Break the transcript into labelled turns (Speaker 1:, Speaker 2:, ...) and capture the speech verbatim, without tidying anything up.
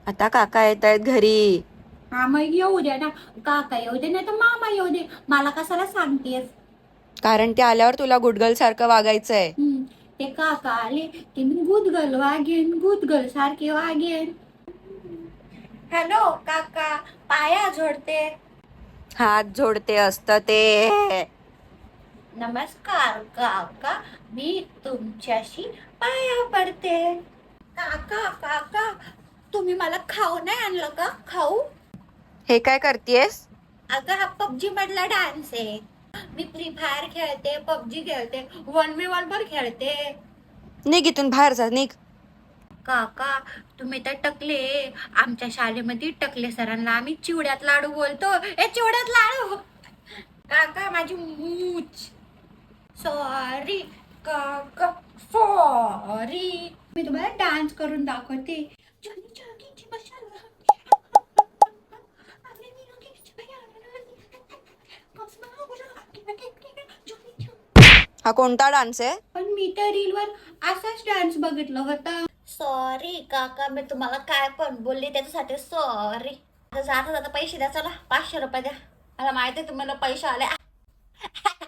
Speaker 1: आता काका येत आहेत घरी.
Speaker 2: हा मग येऊ दे ना. काका येऊ दे नाही तर मामा येऊ दे. मला कशाला सांगतेस?
Speaker 1: कारण ते आल्यावर तुला गुडगल सारखं वागायचंय.
Speaker 2: हम्म, ते काका आले की मी गुदगल वागेन, गुदगल सारखे वागेन. हॅलो काका, पाया जोडते.
Speaker 1: हात जोडते असतं ते.
Speaker 2: नमस्कार काका, मी तुमच्याशी पाया पडते. काका काका, तुम्ही मला खाऊ नाही आणलं का? खाऊ?
Speaker 1: हे काय करतेस?
Speaker 2: अगं हा पबजी मधला डान्स आहे. मी फ्री फायर खेळते, पबजी खेळते, वन वी वन वर खेळते.
Speaker 1: निघ इथून बाहेर जा, निघ.
Speaker 2: काका तुम्ही तर टकले. आमच्या शाळेमध्ये टकले सरांना आम्ही चिवड्यात लाडू बोलतो. ए चिवड्यात लाडू. काका माझी मूच. सॉरी काका, सॉरी. मी तुम्हाला डान्स करून दाखवते.
Speaker 1: हा कोणता डान्स आहे?
Speaker 2: पण मी तर रीलवर असाच डान्स बघितलं होता. सॉरी काका, मी तुम्हाला काय पण बोलले त्याच्यासाठी सॉरी. आता जाता जाता पैसे द्या, चला पाचशे रुपये द्या. मला माहिती आहे तुम्हाला पैसे आले.